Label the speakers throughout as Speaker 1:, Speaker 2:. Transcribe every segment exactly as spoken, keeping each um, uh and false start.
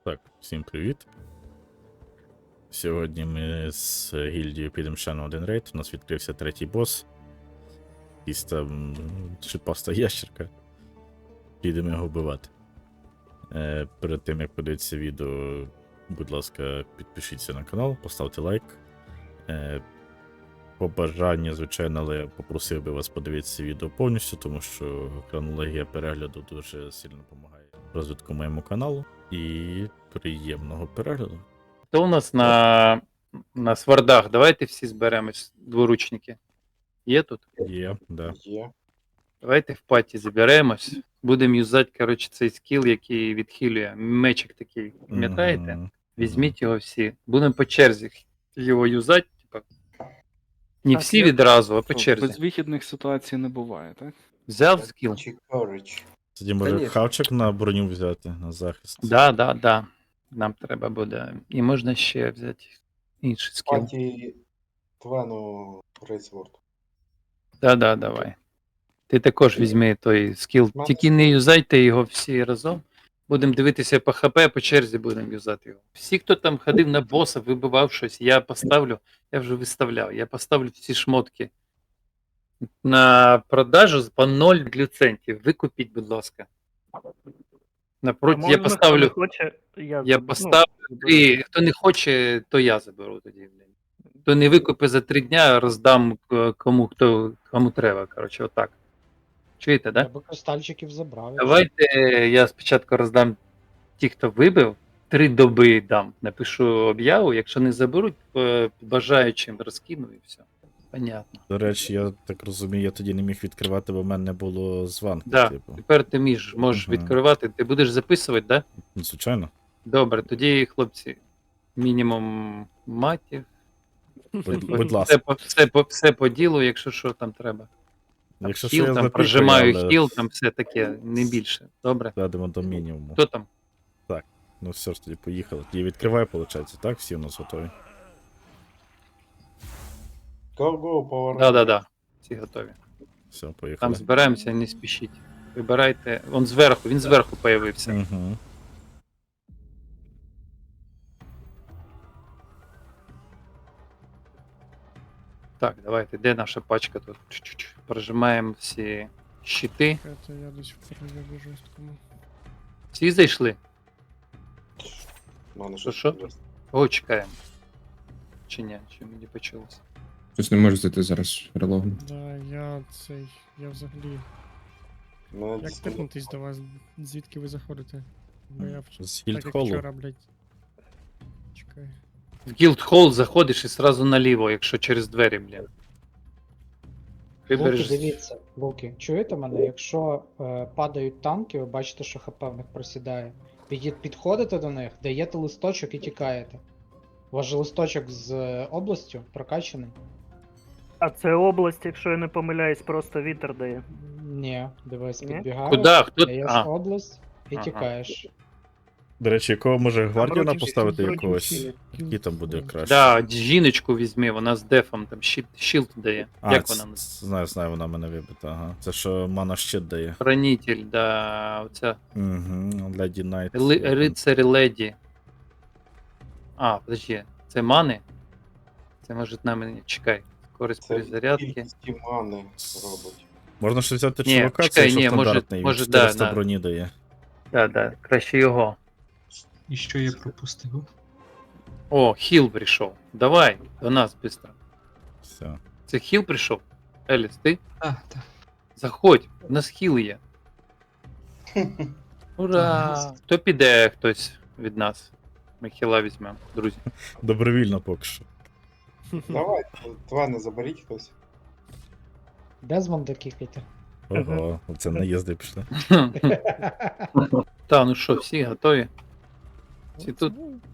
Speaker 1: Так, всім привіт. Сьогодні ми з гільдією підемо ще на один рейд. У нас відкрився третій бос. Якийсь там шипаста ящерка. Підемо його вбивати. Е, перед тим як подивитися відео, будь ласка, підпишіться на канал, поставте лайк. Е, Побажання, звичайно, але я попросив би вас подивитися відео повністю, тому що хронологія перегляду дуже сильно допомагає розвитку моєму каналу. І приємного перегляду.
Speaker 2: Хто у нас на, на свардах? Давайте всі зберемось, дворучники. Є тут?
Speaker 1: Є, да.
Speaker 3: Є.
Speaker 2: Давайте в паті заберемось. Будемо юзати, коротше, цей скіл, який відхилює. Мечик такий, пам'ятаєте?
Speaker 1: Мгм.
Speaker 2: Візьміть його всі. Будемо по черзі його юзати, типа. Не
Speaker 4: Так,
Speaker 2: всі
Speaker 4: я-
Speaker 2: відразу, а по
Speaker 4: Що,
Speaker 2: черзі.
Speaker 4: безвихідних ситуацій не буває, так?
Speaker 2: Взяв скіл?
Speaker 3: Чи корич.
Speaker 1: Тоді може
Speaker 3: Конечно.
Speaker 1: хавчик на броню взяти, на захист.
Speaker 2: Да, да, да. Нам треба буде. І можна ще взяти інший скіл.
Speaker 3: Паті Твену Рейсворд.
Speaker 2: Да, да, давай. Ти також візьми той скіл.
Speaker 3: Мене-
Speaker 2: Тільки не юзайте його всі разом. Будемо дивитися по ХП, по черзі будемо юзати його. Всі, хто там ходив на боса, вибивав щось, я поставлю, я вже виставляв, я поставлю всі шмотки на продажу по ноль глюцентів. Викупіть, будь ласка. Напроти, я
Speaker 5: Можна,
Speaker 2: поставлю,
Speaker 5: хто не хоче, я,
Speaker 2: я
Speaker 5: заб-
Speaker 2: поставлю,
Speaker 5: ну,
Speaker 2: і хто не хоче, то я заберу тоді. блін. Хто не викупить за три дня, роздам е, кому, хто, кому треба. Коротше, отак. Чуєте, так?
Speaker 6: Я би кристальчиків забрав.
Speaker 2: Давайте я спочатку роздам ті, хто вибив, три доби дам. Напишу об'яву, якщо не заберуть, е, бажаючим розкину і все. Понятно.
Speaker 1: До речі, я так розумію, я тоді не міг відкривати, бо в мене не було званки,
Speaker 2: Да.
Speaker 1: типу.
Speaker 2: Тепер ти між, можеш
Speaker 1: Ага.
Speaker 2: відкривати. Ти будеш записувати, так? Да?
Speaker 1: Ну, звичайно.
Speaker 2: Добре, тоді, хлопці, мінімум матів.
Speaker 1: Будь, будь
Speaker 2: Все
Speaker 1: ласка.
Speaker 2: по, все, по, все по ділу, якщо що там треба. Там
Speaker 1: Якщо що,
Speaker 2: хіл,
Speaker 1: я
Speaker 2: там
Speaker 1: запікаю,
Speaker 2: прожимаю
Speaker 1: але
Speaker 2: хіл, там все таке, не більше. Добре.
Speaker 1: Ведемо до мінімуму.
Speaker 2: Хто там?
Speaker 1: Ну все ж тоді поїхали. Тоді відкриваю, виходить, так? Всі у нас готові.
Speaker 3: Go-go, повернути.
Speaker 2: Да, да, да. Всі готові.
Speaker 1: Все, поїхали.
Speaker 2: Там збираємося, не спішіть. Вибирайте. Он зверху, він зверху появився.
Speaker 1: Угу.
Speaker 2: Так, давайте, де наша пачка тут? Чуть-чуть. Прожимаємо всі щити.
Speaker 7: Это я десь в прояві жорсткому.
Speaker 2: Всі зайшли?
Speaker 3: У мене
Speaker 2: Що,
Speaker 3: щось
Speaker 2: що?
Speaker 3: інтересне.
Speaker 2: Кого чекаємо? Чи ні? Чи мені почулося?
Speaker 8: Щось не можу зайти зараз релогну.
Speaker 7: Да, я цей. Я взагалі.
Speaker 3: Мене
Speaker 7: Як
Speaker 3: дійсно-
Speaker 7: тикнутись до вас? Звідки ви заходите? Бо я вч-
Speaker 1: З
Speaker 7: так як
Speaker 1: гільдхолу.
Speaker 7: вчора, блядь. Чекай.
Speaker 2: В Guildhall заходиш і сразу наліво, якщо через двері, блін.
Speaker 6: Луки,
Speaker 2: Вибереш.
Speaker 6: дивіться, Луки, чуєте мене? Якщо е, падають танки, ви бачите, що ХП в них просідає. Піді- Підходите до них, даєте листочок і тікаєте. У вас же листочок з е, областю прокачаний?
Speaker 5: А це область, якщо я не помиляюсь, просто вітер дає.
Speaker 6: Ні, дивись,
Speaker 5: Ні?
Speaker 6: підбігаєш,
Speaker 2: Куда? Хто?
Speaker 6: даєш
Speaker 2: А,
Speaker 6: область і
Speaker 2: Ага.
Speaker 6: тікаєш.
Speaker 1: До речі, якого може гвардіана
Speaker 5: Вроді
Speaker 1: поставити
Speaker 5: всі-
Speaker 1: якогось?
Speaker 5: вроді
Speaker 1: Який там буде краще?
Speaker 2: да, жіночку візьми, вона з дефом, там щит, щілд дає.
Speaker 1: А,
Speaker 2: Як
Speaker 1: ц-
Speaker 2: вона називається?
Speaker 1: ц- знаю, знаю, вона мене вибита, ага. Це що мана щит дає.
Speaker 2: Хранитель, да, оця
Speaker 1: Угу, Леді Найт.
Speaker 2: Ли, рицарі леді. А, подожди, це мани? Це може на мене. Чекай. Скорость
Speaker 3: Це
Speaker 2: перезарядки.
Speaker 3: кількість мани робить.
Speaker 1: Можна ще взяти
Speaker 2: Ні,
Speaker 1: чувака,
Speaker 2: чекай,
Speaker 1: це що
Speaker 2: ні, може-
Speaker 1: стандартний,
Speaker 2: може,
Speaker 1: він
Speaker 2: да,
Speaker 1: чотириста
Speaker 2: да.
Speaker 1: броні дає.
Speaker 2: Да, да, краще його.
Speaker 9: І що я пропустив?
Speaker 2: О, хіл прийшов. Давай, до нас швидко.
Speaker 1: Все.
Speaker 2: Це хіл прийшов? Еліс, ти?
Speaker 9: А, так.
Speaker 2: Заходь, у нас хіл є. Ура! Хто піде хтось від нас? Ми хіла візьмемо, друзі.
Speaker 1: Добровільно поки що.
Speaker 3: Давай, Твена заберіть хтось.
Speaker 6: Дезмонда кікайте.
Speaker 1: Ого, оце наїзди пішли.
Speaker 2: Та, ну що, всі готові? Всі тут?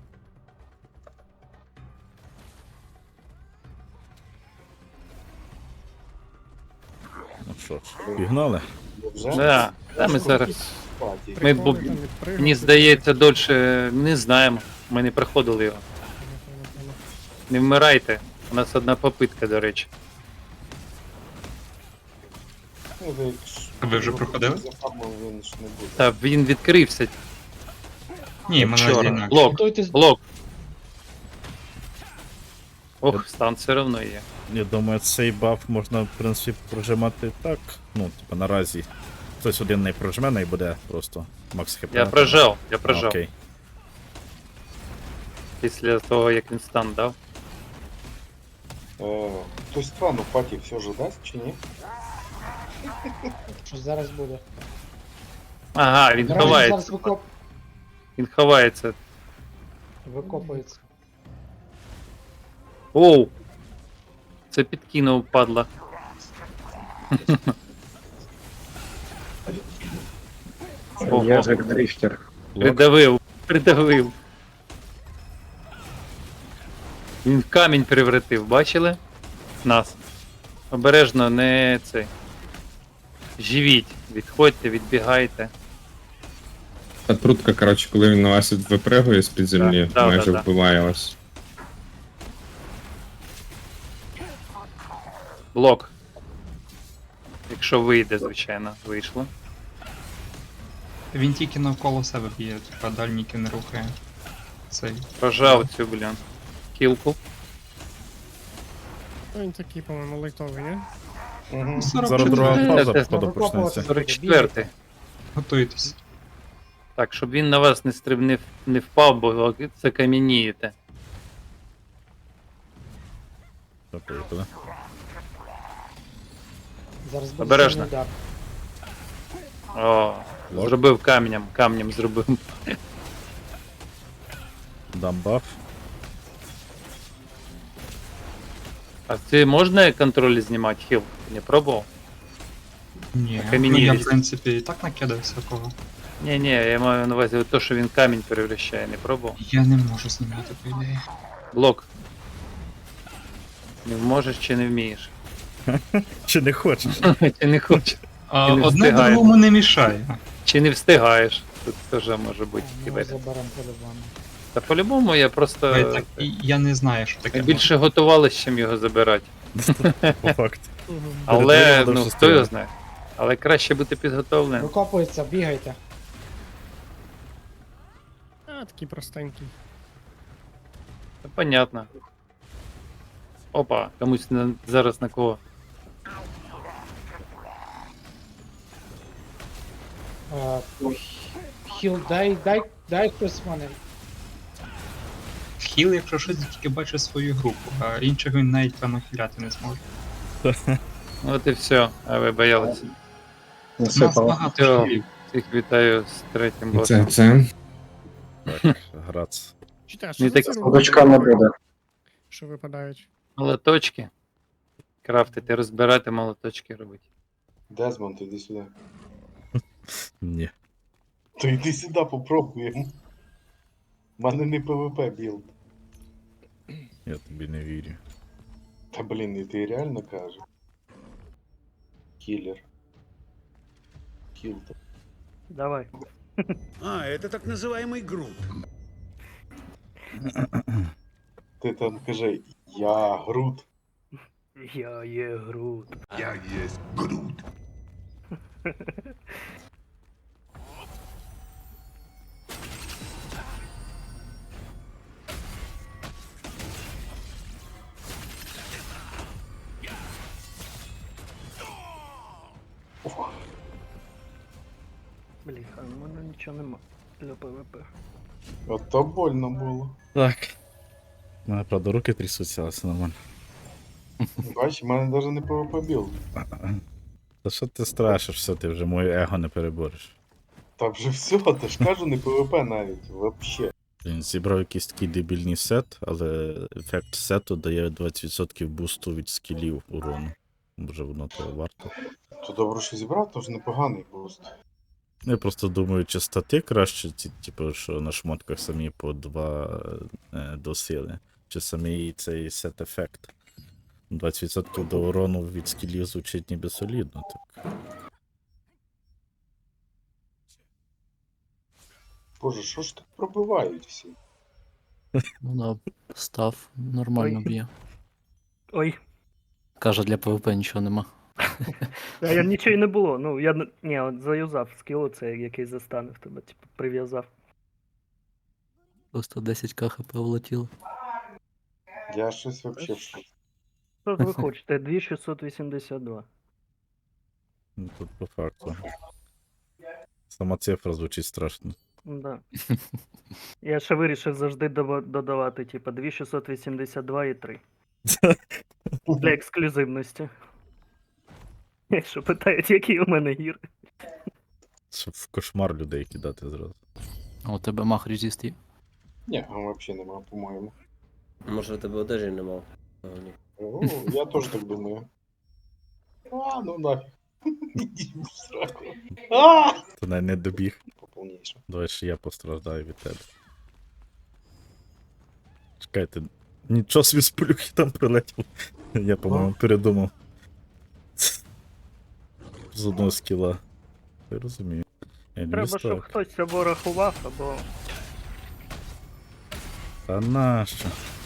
Speaker 1: Ну що ж, пігнали.
Speaker 3: Бо Вже
Speaker 2: Да, та ми зараз.
Speaker 3: паті.
Speaker 2: Ми бу-
Speaker 7: Приколи там відпригнути.
Speaker 2: Мені здається, дольше не знаємо. Ми не проходили його.
Speaker 7: Понял, понял, понял.
Speaker 2: Не вмирайте. У нас одна попитка, до речі.
Speaker 3: Ну, ви якщо-
Speaker 9: А ви вже проходили?
Speaker 3: За фармом він ж не буде.
Speaker 2: Та він відкрився.
Speaker 9: Ні, мене
Speaker 2: Чорт,
Speaker 9: інакше.
Speaker 2: блок,
Speaker 6: Готуйтесь.
Speaker 2: блок. Ох, стан все одно є.
Speaker 1: Я думаю, цей баф можна, в принципі, прожимати так. Ну, типа, наразі. Хтось один не прожме, і буде просто макс хп.
Speaker 2: Я прожав, я
Speaker 1: А,
Speaker 2: прожав.
Speaker 1: Окей.
Speaker 2: Після того, як він стан дав.
Speaker 3: Е, Хтось Тван у паті все ж дасть чи ні?
Speaker 6: Що зараз буде?
Speaker 2: Ага, він
Speaker 6: Грані зараз
Speaker 2: ховається.
Speaker 6: викоп...
Speaker 2: Він ховається.
Speaker 6: викопується.
Speaker 2: Оу! Це підкинув, падла. Ого,
Speaker 8: дрифтер.
Speaker 2: придавив, придавив. Він в камінь превратив, бачили? Нас. Обережно, не цей. Живіть, відходьте, відбігайте.
Speaker 8: Та трутка, коротше, коли він на вас випригує з-під землі,
Speaker 2: Да, да,
Speaker 8: майже
Speaker 2: да, да.
Speaker 8: вбиває вас.
Speaker 2: Блок. Якщо вийде, звичайно, вийшло.
Speaker 9: Він тільки навколо себе б'є, типа дальніки не рухає. Цей.
Speaker 2: Прожав цю, блін. Кілку.
Speaker 7: Ну, він такий, по-моєму, лайтовий, ні?
Speaker 3: Угу.
Speaker 1: Зараз
Speaker 9: сорок
Speaker 1: друга
Speaker 2: Е,
Speaker 1: фаза,
Speaker 2: це-
Speaker 1: походу, почнеться.
Speaker 2: сорок четвертий.
Speaker 9: Готуйтесь.
Speaker 2: Так, щоб він на вас не стрибнив, не впав, бо це кам'янієте.
Speaker 1: Так, поїхали.
Speaker 6: Зараз буде
Speaker 2: Обережно.
Speaker 6: сильний удар.
Speaker 2: О,
Speaker 1: Блок.
Speaker 2: зробив камнем, камнем зробив.
Speaker 1: Дам баф.
Speaker 2: А це можна контроль знімати хіл? Не пробував?
Speaker 9: Ні, ну
Speaker 2: камінні
Speaker 9: я в
Speaker 2: різні.
Speaker 9: принципі і так накидав всякого.
Speaker 2: Ні, ні, я маю на увазі те, що він камінь перевращає, не пробував.
Speaker 9: Я не можу знімати, по ідеї.
Speaker 2: Блок. Не можеш чи не вмієш?
Speaker 1: Чи не хочеш?
Speaker 2: Чи не хочеш?
Speaker 9: А,
Speaker 2: Ти не
Speaker 9: одне
Speaker 2: встигаєш.
Speaker 9: другому не мішає.
Speaker 2: Чи не встигаєш? Тут теж може бути
Speaker 6: Ми
Speaker 2: кібер.
Speaker 6: заберемо по-любому.
Speaker 2: Та по-любому я просто
Speaker 9: Я, так, і- я не знаю, що таке.
Speaker 2: більше готувалися, чим його забирати.
Speaker 1: По факту.
Speaker 2: Але,
Speaker 1: Передвинув
Speaker 2: ну,
Speaker 1: до
Speaker 2: хто його
Speaker 1: шестого.
Speaker 2: знає. Але краще бути підготовленим.
Speaker 6: Викопується, бігайте.
Speaker 7: А, такий простенький.
Speaker 2: Та понятно. Опа, комусь на, зараз на кого.
Speaker 6: Е, Хіл, дай, дай, дай хтось мене.
Speaker 9: Хіл, якщо щось, тільки бачить свою групу, а іншого він навіть певно хіляти не зможе.
Speaker 2: От і все, а ви боялися.
Speaker 9: У нас багато
Speaker 2: Всього.
Speaker 9: хілів.
Speaker 2: Всіх вітаю з третім
Speaker 8: Це,
Speaker 2: босом.
Speaker 8: це.
Speaker 1: Так, грац.
Speaker 7: Читай, а що
Speaker 2: Не
Speaker 7: за
Speaker 2: так
Speaker 7: ці
Speaker 2: судочка
Speaker 7: руки, що випадають?
Speaker 2: Молоточки. Крафтити, розбирати, молоточки робити.
Speaker 3: Дезмонд, іди сюди.
Speaker 1: Ні.
Speaker 3: То йди сюди, попробуємо. У мене не ПВП білд.
Speaker 1: Я тобі не вірю.
Speaker 3: Та блін, і ти реально кажеш? Кілер. Кіл.
Speaker 5: Давай.
Speaker 10: А, это так называемый груд.
Speaker 3: Ти там кажи, я Грут.
Speaker 5: Я є Грут.
Speaker 10: Я есть груд.
Speaker 5: Бліха, у мене нічого нема для ПВП.
Speaker 3: Ото больно було.
Speaker 1: Так. У мене, правда, руки трясуться, але все нормально.
Speaker 3: Бач, у мене навіть не ПВП білд.
Speaker 1: Та що ти страшиш, все, ти вже моє его не перебореш.
Speaker 3: Та вже все, ти ж кажу, не ПВП навіть, вообще.
Speaker 1: Він зібрав якийсь такий дебільний сет, але ефект сету дає двадцять відсотків бусту від скілів урону. Може воно того варто.
Speaker 3: То добре, що зібрав, то ж непоганий буст.
Speaker 1: Я просто думаю, чи стати краще, ті, типу, що на шмотках самі по два е, до сили, чи самий цей сет-ефект. двадцять відсотків до урону від скілів звучить ніби солідно, так.
Speaker 3: Боже, що ж так пробивають всі?
Speaker 11: Ну да, став нормально
Speaker 5: Ой.
Speaker 11: б'є.
Speaker 5: Ой,
Speaker 11: Каже, для ПВП нічого нема.
Speaker 5: а я нічого й не було. Ну, я н- ні, от заюзав скіл, це який застанив тебе, типу, прив'язав.
Speaker 11: Просто десять ка хп влетіло.
Speaker 3: Я щось вообще в шоці.
Speaker 5: Що ж ви хочете? дві тисячі шістсот вісімдесят два.
Speaker 1: Ну, тут по факту. Сама цифра звучить страшно.
Speaker 5: Да. Я ще вирішив завжди доба- додавати, типа, дві тисячі шістсот вісімдесят два і три. Для ексклюзивності. Якщо питають, які у мене гір.
Speaker 1: Щоб в кошмар людей кидати зразу.
Speaker 11: А у тебе мах резист є?
Speaker 3: Ні, взагалі нема, по-моєму.
Speaker 12: Може, у тебе одежі нема? А, ні.
Speaker 3: О, я теж так думаю. А, ну нафіг. Іди в сраку. А!
Speaker 1: Ти навіть не добіг.
Speaker 3: Поповніше.
Speaker 1: Давай ще я постраждаю від тебе. Чекайте. Нічого собі з плюхи там прилетів. Я, по-моєму, передумав. З одного скіла. Я розумію.
Speaker 5: Треба, щоб
Speaker 1: так.
Speaker 5: хтось або рахував, або.
Speaker 1: Та нащо?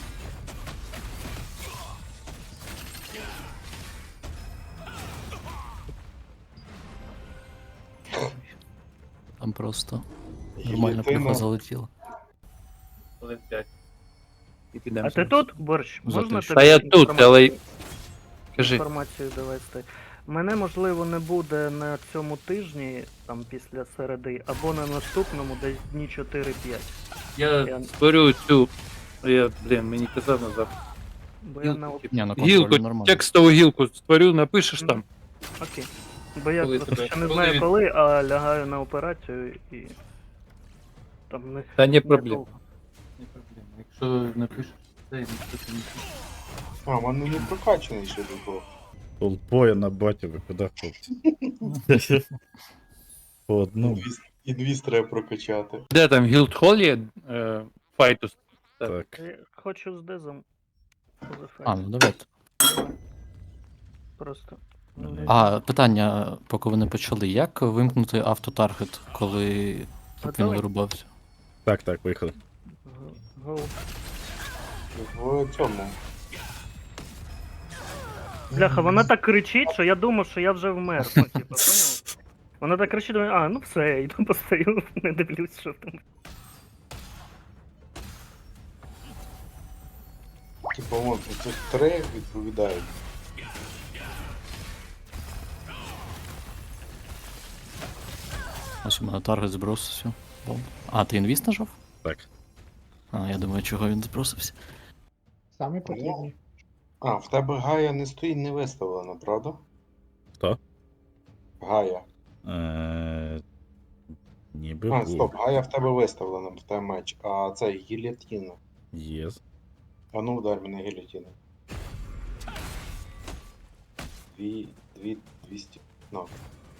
Speaker 11: Там просто нормально
Speaker 3: Гільйотина.
Speaker 11: плюха залетіла.
Speaker 2: Хвилин п'ять. І підемо.
Speaker 5: А ти тут, борщ?
Speaker 11: За
Speaker 5: Можна
Speaker 11: те, що-
Speaker 2: Та я тут,
Speaker 5: інформацію-
Speaker 2: але. Кажи.
Speaker 5: інформацію довести? Мене, можливо, не буде на цьому тижні, там після середи, або на наступному, десь дні чотири-п'ять.
Speaker 2: Я
Speaker 5: Я-
Speaker 2: створю цю. Я, блін, мені казав назад.
Speaker 5: Бо я на
Speaker 11: Ні, на контролі
Speaker 2: Гілку,
Speaker 11: нормально.
Speaker 2: текстову гілку створю, напишеш там.
Speaker 5: Окей. Бо я
Speaker 2: Коли
Speaker 5: просто
Speaker 2: тебе-
Speaker 5: ще не
Speaker 2: коли
Speaker 5: знаю
Speaker 2: він-
Speaker 5: коли, а лягаю на операцію і. Там не.
Speaker 2: Та не
Speaker 5: не
Speaker 2: проблема.
Speaker 5: довго.
Speaker 2: Не проблема. Якщо напишеш, це ніхто не пише.
Speaker 3: А, в мене не прокачаний ще було.
Speaker 1: Толпою на батю, ви куди, хлопці? По одному.
Speaker 3: Інвіз треба прокачати.
Speaker 2: Де там Гілдхол є? Е, Файтус.
Speaker 1: Так.
Speaker 5: Я хочу з дезом.
Speaker 11: А, ну давайте.
Speaker 5: Просто.
Speaker 1: Мене-
Speaker 11: А, питання, поки ви не почали. Як вимкнути автотаргет, коли щоб він
Speaker 5: Готовий?
Speaker 11: вирубався?
Speaker 1: Так, так, виїхали.
Speaker 5: Гоу.
Speaker 3: В цьому.
Speaker 5: Бляха, вона так кричить, що я думав, що я вже вмер. Ну, типа, поняв? Вона так кричить, думаю, а, ну все, я йду постою, не дивлюсь, що там.
Speaker 3: Типа, вон, цих три відповідають.
Speaker 11: Ось у мене таргет збросився. Бом. А, ти інвіст нажав?
Speaker 1: Так.
Speaker 11: А, я думаю, чого він збросився.
Speaker 6: Самі потрібні.
Speaker 3: А, в тебе Гая не стоїть, не виставлена, правда?
Speaker 1: Хто?
Speaker 3: Гая.
Speaker 1: Е, Ніби
Speaker 3: А,
Speaker 1: був.
Speaker 3: стоп, Гая в тебе виставлена, в тебе меч. А це гілятіна.
Speaker 1: Є.
Speaker 3: А ну удар мене гілятіна. Дві, дві, двісті. Ну.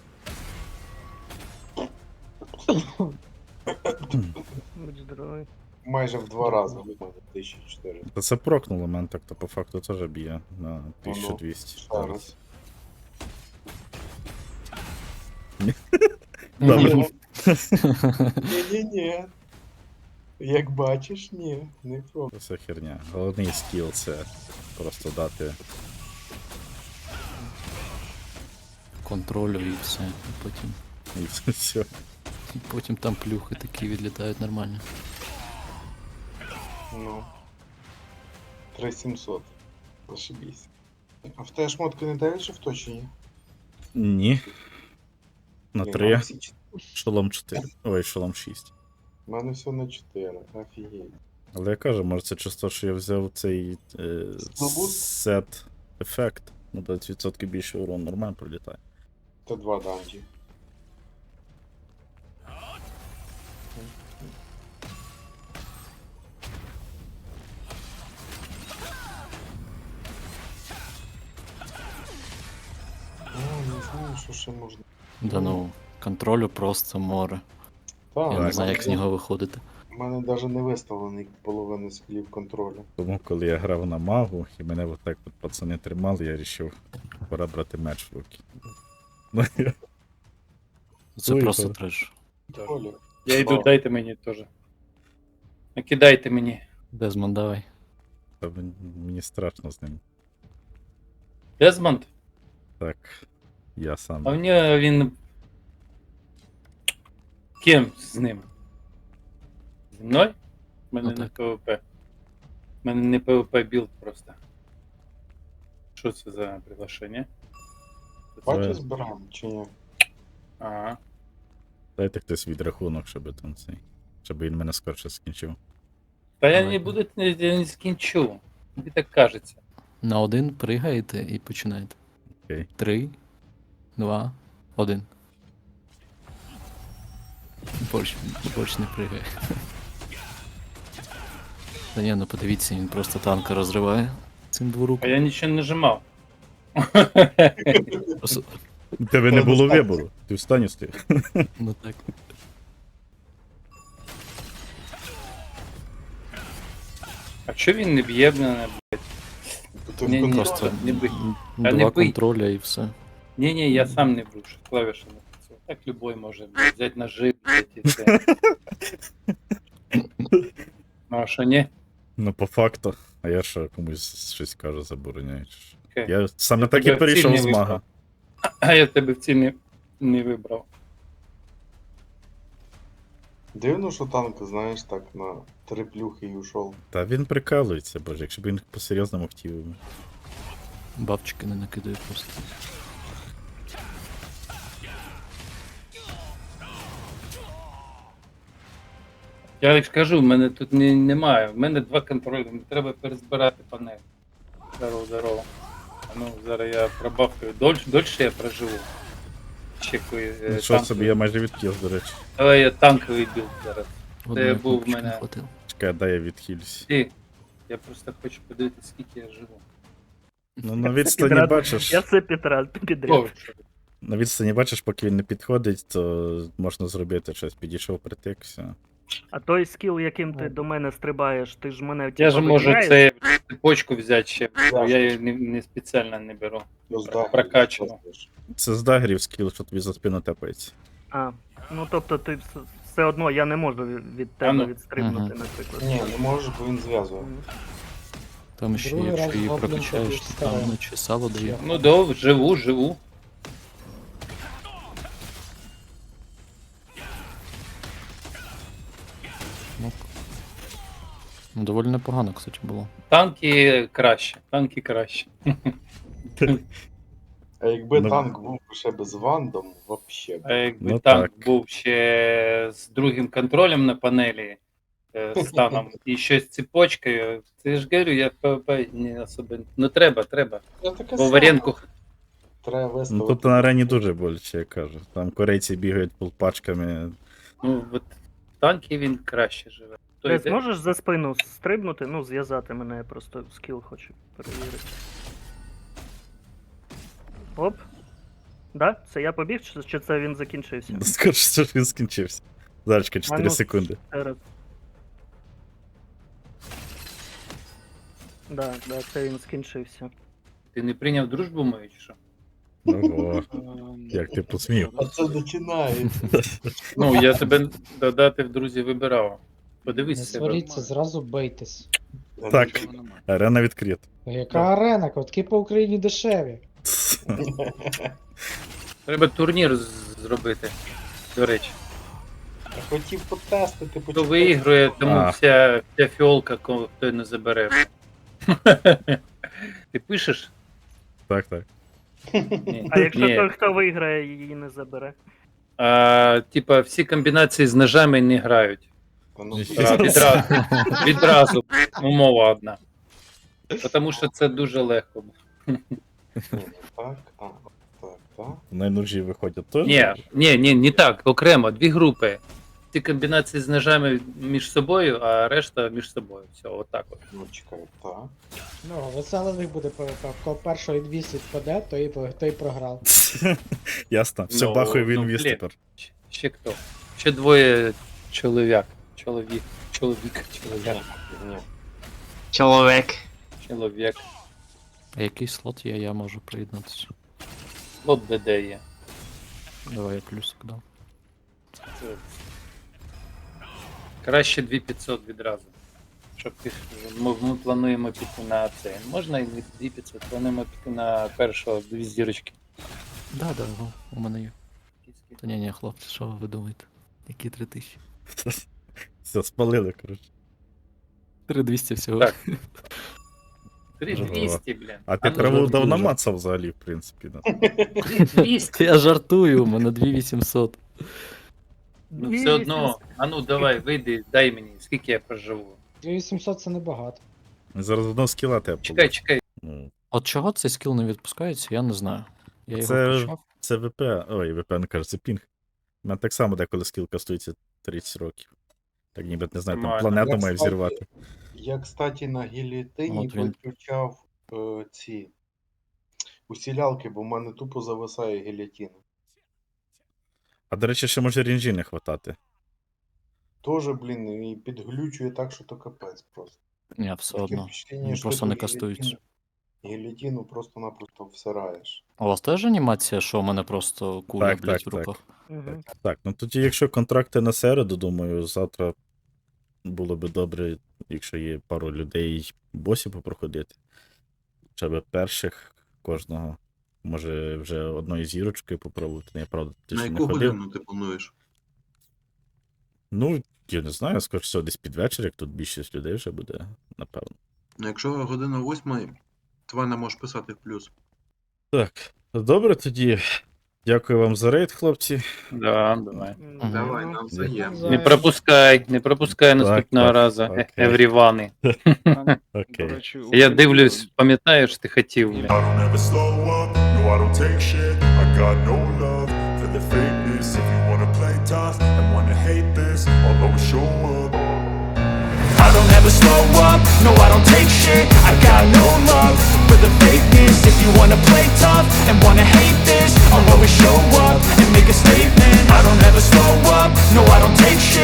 Speaker 5: Будь здоровий.
Speaker 3: Майже в два рази в мене тисяча чотириста.
Speaker 1: Та це прокнуло мене так, то по факту теж б'є на тисячу двісті.
Speaker 3: ще раз.
Speaker 1: Добре.
Speaker 3: Ні-ні-ні. Як бачиш, ні, не про.
Speaker 1: Це все херня. Головний скіл це просто дати.
Speaker 11: Контролю і все. І потім,
Speaker 1: І це все.
Speaker 11: і потім там плюхи такі відлітають нормально.
Speaker 3: Ну. три сімсот. Зашибісь. А в тебе шмотки не дають же в точенні?
Speaker 1: Ні. На
Speaker 3: Ні,
Speaker 1: три.
Speaker 3: нам всі чотири.
Speaker 1: Шолом чотири. Ой, шолом шість.
Speaker 3: У мене все на чотири. Офігеть.
Speaker 1: Але я кажу, може це часто, що я взяв цей е,
Speaker 3: Слабуст?
Speaker 1: сет ефект. На двадцять відсотків більше урон нормально прилітає.
Speaker 3: Це два данжі. А, не знаю, що ще можна.
Speaker 11: Да ну, контролю просто море.
Speaker 3: Так,
Speaker 11: Я не
Speaker 1: так.
Speaker 11: знаю, як з нього виходити.
Speaker 3: У мене навіть не виставлений половина скілів контролю.
Speaker 1: Тому коли я грав на магу і мене отак от пацани тримали, я вирішив, пора брати меч в руки. Ну, я-
Speaker 11: Це
Speaker 1: Ой,
Speaker 11: просто
Speaker 1: то-
Speaker 11: треш.
Speaker 3: Оля,
Speaker 2: Я йду, дайте мені теж. Накидайте мені.
Speaker 11: Дезмон, давай.
Speaker 1: Та мен- мені страшно з ним.
Speaker 2: Дезмонд?
Speaker 1: Так, я
Speaker 2: А
Speaker 1: сам.
Speaker 2: в нього він. Ким з ним? Зі мною? У мене
Speaker 11: Ну
Speaker 2: не
Speaker 11: так.
Speaker 2: ПВП. У мене не ПВП білд просто. Що це за приглашення?
Speaker 3: Бачу, збираємо чи ні?
Speaker 2: Ага.
Speaker 1: Дайте хтось відрахунок, щоб там цей. Щоб він мене скорше скінчив.
Speaker 2: Та я
Speaker 11: Давай.
Speaker 2: не буду, я не скінчу. Тобі так кажеться.
Speaker 11: На один пригаєте і починаєте.
Speaker 1: Окей.
Speaker 11: Три, два, один. Борщ, борщ не пригає. Та ні, ну подивіться, він просто танка розриває цим
Speaker 2: А
Speaker 11: дворуком.
Speaker 2: я нічого не нажимав.
Speaker 11: Просто-
Speaker 1: У тебе не було вибору. Ти в стані стояв.
Speaker 11: Ну так.
Speaker 2: А що він не б'є мене, блядь?
Speaker 3: Ти
Speaker 2: Ні, ні,
Speaker 11: Просто
Speaker 2: не бий.
Speaker 11: два
Speaker 2: не бий.
Speaker 11: контроля і все.
Speaker 2: Ні, ні, я сам не був, що клавіша не працює. Так любой може блядь, взяти ножи, блядь, і все. Ну а що ні?
Speaker 1: Ну, по факту. А я що комусь щось кажу, забороняю. чи що?
Speaker 2: Окей.
Speaker 1: Я саме
Speaker 2: Я
Speaker 1: так і
Speaker 2: тебе
Speaker 1: перейшов
Speaker 2: ціль
Speaker 1: з
Speaker 2: не
Speaker 1: мага.
Speaker 2: А я тебе в ціль не, не вибрав.
Speaker 3: Дивно, що танк, знаєш, так на три плюхи і ушов.
Speaker 1: Та він прикалується, боже, якщо б він по-серйозному хотів.
Speaker 11: Бабчики не накидає просто.
Speaker 2: Я ж кажу, в мене тут не, немає. В мене два контролі, мені треба перезбирати панель. Здорово, здорово. А ну, зараз я пробавкаю. Дольше, дольше я проживу. Чекаю. е,
Speaker 1: Ну, що
Speaker 2: танковий.
Speaker 1: собі, я майже відкіл, до речі.
Speaker 2: Давай я танковий білд зараз.
Speaker 11: Одної
Speaker 2: був в
Speaker 11: кнопочки
Speaker 2: мене.
Speaker 11: не хватило.
Speaker 1: Чекай, дай я відхилюсь.
Speaker 2: Ти. Я просто хочу подивитися, скільки я живу.
Speaker 1: Ну, на відстані
Speaker 5: Підряд.
Speaker 1: бачиш.
Speaker 5: Я все підряд, підряд.
Speaker 2: О, що?
Speaker 1: На відстані бачиш, поки він не підходить, то можна зробити щось. Підійшов притик, все.
Speaker 5: А той скіл, яким ти до мене стрибаєш, ти ж мене
Speaker 2: Я
Speaker 5: типа,
Speaker 2: ж можу
Speaker 5: виділяєш?
Speaker 2: це цепочку взяти ще, бо я її не, не спеціально не беру.
Speaker 3: Ну, з дагерів
Speaker 2: Прокачано.
Speaker 3: просто.
Speaker 1: Це з дагерів скіл, що тобі за спину тепається.
Speaker 5: А, ну тобто ти вс- все одно я не можу від від
Speaker 2: А
Speaker 5: тебе
Speaker 2: ну.
Speaker 5: відстрибнути,
Speaker 11: Ага.
Speaker 5: наприклад.
Speaker 3: Ні, не можеш, бо він зв'язує.
Speaker 5: Мгм.
Speaker 11: Там ще,
Speaker 6: Другий
Speaker 11: якщо
Speaker 6: раз
Speaker 11: її
Speaker 6: гоблін
Speaker 11: прокачаєш,
Speaker 6: тобі
Speaker 11: то
Speaker 6: вставив.
Speaker 11: там наче сало дає.
Speaker 2: Ну да, живу, живу.
Speaker 11: Ну, ну, доволі непогано, кстати, було.
Speaker 2: Танки краще, танки краще.
Speaker 3: А якби
Speaker 1: Ну.
Speaker 3: танк був ще без вандом, вообще.
Speaker 2: А якби
Speaker 1: Ну,
Speaker 2: танк
Speaker 1: так.
Speaker 2: був ще з другим контролем на панелі, е, станом, і ще з цепочкою, це ж говорю, я в ПВП не особо. Ну треба, треба.
Speaker 3: Я таке
Speaker 2: Бо
Speaker 3: саме.
Speaker 2: в аренку.
Speaker 3: Треба
Speaker 1: Ну
Speaker 3: виставити.
Speaker 1: тут на арені дуже боляче, я кажу. Там корейці бігають полпачками.
Speaker 2: Ну, от в танки він краще живе. То
Speaker 5: Ти
Speaker 2: йде-
Speaker 5: зможеш за спину стрибнути, ну зв'язати мене, я просто скіл хочу перевірити. Оп. Да? Це я побіг, чи, чи це він закінчився?
Speaker 1: Скорше, що він скінчився. Зарочка, чотири
Speaker 5: ну,
Speaker 1: секунди.
Speaker 5: Зараз. Да, да, це він скінчився.
Speaker 2: Ти не прийняв дружбу мою чи що?
Speaker 1: Ого, як ти посмів.
Speaker 3: А це починає.
Speaker 2: Ну, я тебе додати в друзі вибирав.
Speaker 6: Не
Speaker 2: Подивись себе.
Speaker 6: сваріться, зразу бийтесь.
Speaker 1: Так, арена відкрита.
Speaker 6: Яка арена? Квитки по Україні дешеві.
Speaker 2: Треба турнір з- зробити. До речі.
Speaker 3: Я хотів потестити,
Speaker 2: Хто
Speaker 3: почекати.
Speaker 2: виіграє, тому
Speaker 1: А.
Speaker 2: вся, вся фіолка, кого хто не забере. Ти пишеш?
Speaker 1: Так, так.
Speaker 2: Ні.
Speaker 5: А якщо
Speaker 2: Ні.
Speaker 5: той, хто виграє, її не забере?
Speaker 2: А, типа, всі комбінації з ножами не грають.
Speaker 3: Та ну,
Speaker 2: А, відразу, відразу умова одна. Тому що це дуже легко.
Speaker 3: Так, а, так, так.
Speaker 1: Найнужі виходять теж.
Speaker 2: Ні, ні, ні, не так, окремо, дві групи. Ці комбінації з ножами між собою, а решта між собою. Все, отак от.
Speaker 3: Ну, чекай, так.
Speaker 6: Ну, веселий буде ПВП. В кого першого двісті впаде, то і, то і програв.
Speaker 1: Ясно. Все,
Speaker 2: Ну,
Speaker 1: бахує він
Speaker 2: ну,
Speaker 1: віз
Speaker 2: блін.
Speaker 1: тепер.
Speaker 2: Ще хто? Ще двоє чоловік. Чоловік. Чоловік. Чоловік.
Speaker 3: Ні.
Speaker 12: Чоловік.
Speaker 2: Чоловік.
Speaker 11: А який слот є, я можу приєднатися.
Speaker 2: От ДД є.
Speaker 11: Давай я плюсик дам.
Speaker 2: Це- Краще дві п'ятсот відразу. Щоб ти, ми, ми плануємо піти на це. Можна і дві п'ятсот, плануємо піти на першого дві зірочки.
Speaker 11: Да, да, го, у мене є. Та ні, ні, хлопці, що ви думаєте? Які три тисячі?
Speaker 1: Все, спалили, коротше.
Speaker 11: три двісті всього.
Speaker 2: Так. три двісті, блін.
Speaker 1: А ти
Speaker 2: ну,
Speaker 1: траву
Speaker 11: жартую,
Speaker 1: дав
Speaker 11: жартую.
Speaker 1: намацав взагалі, в принципі. Да.
Speaker 2: три двісті.
Speaker 11: Я жартую, у мене дві вісімсот.
Speaker 2: Ну все одно, а ну давай, вийди, дай мені, скільки я проживу.
Speaker 6: дві вісімсот це небагато.
Speaker 1: Зараз одного скіла тебе
Speaker 2: Чекай,
Speaker 1: получу.
Speaker 2: чекай.
Speaker 1: Ну,
Speaker 11: От чого цей скіл не відпускається, я не знаю. Я його
Speaker 1: Це-
Speaker 11: включав.
Speaker 1: це ВП, ой, ВП не кажу, це пінг. У мене так само деколи скіл кастується тридцять років. Так ніби, не знаю, там
Speaker 2: Нормально.
Speaker 1: планету
Speaker 3: Я,
Speaker 1: має
Speaker 3: кстати,
Speaker 1: взірвати.
Speaker 3: Я, кстати, на гілітині
Speaker 11: От він.
Speaker 3: виключав е, ці усілялки, бо в мене тупо зависає гілітина.
Speaker 1: А до речі, ще може рінжі не хватати.
Speaker 3: Тоже, блін, і підглючує так, що то капець просто.
Speaker 11: Ні, все
Speaker 3: Таке
Speaker 11: одно.
Speaker 3: впечатлення,
Speaker 11: Він
Speaker 3: що
Speaker 11: просто
Speaker 3: ти
Speaker 11: не
Speaker 3: гілітину-
Speaker 11: кастується.
Speaker 3: Гілітину просто-напросто всираєш.
Speaker 11: У вас теж анімація, що у мене просто куля,
Speaker 1: Так,
Speaker 11: блядь,
Speaker 1: так,
Speaker 11: в руках?
Speaker 5: Мгм.
Speaker 1: Так, ну тоді, якщо контракти на середу, думаю, завтра було би добре, якщо є пару людей босів попроходити. Хоча б перших кожного. Може вже одної зірочкою попробувати. Я правда ти ще не ходив.
Speaker 3: ти плануєш?
Speaker 1: Ну, я не знаю, скоріше всього, десь під вечір, як тут більшість людей вже буде, напевно.
Speaker 3: Ну, якщо година восьма, тварь не можеш писати в плюс.
Speaker 1: Так, добре тоді. Дякую вам за рейд, хлопці.
Speaker 2: Да, давай.
Speaker 11: Мгм.
Speaker 3: Давай, нам взаємно.
Speaker 2: Не пропускай, не пропускай наступного
Speaker 1: так,
Speaker 2: разу,
Speaker 1: окей.
Speaker 2: еврівани.
Speaker 4: До
Speaker 1: Окей.
Speaker 4: речі, у
Speaker 2: Я
Speaker 4: Фейсбуці-
Speaker 2: дивлюсь, пам'ятаєш, ти хотів, блін.
Speaker 10: I don't ever slow up, no I don't take shit. I got no love for the fakeness. If you wanna play tough and wanna hate this, I'll always show up. I don't ever slow up, no I don't take shit. I got no love for the fakeness. If you wanna play tough and wanna hate this, I'll always show up and make a statement. I don't ever slow up, no I don't take shit.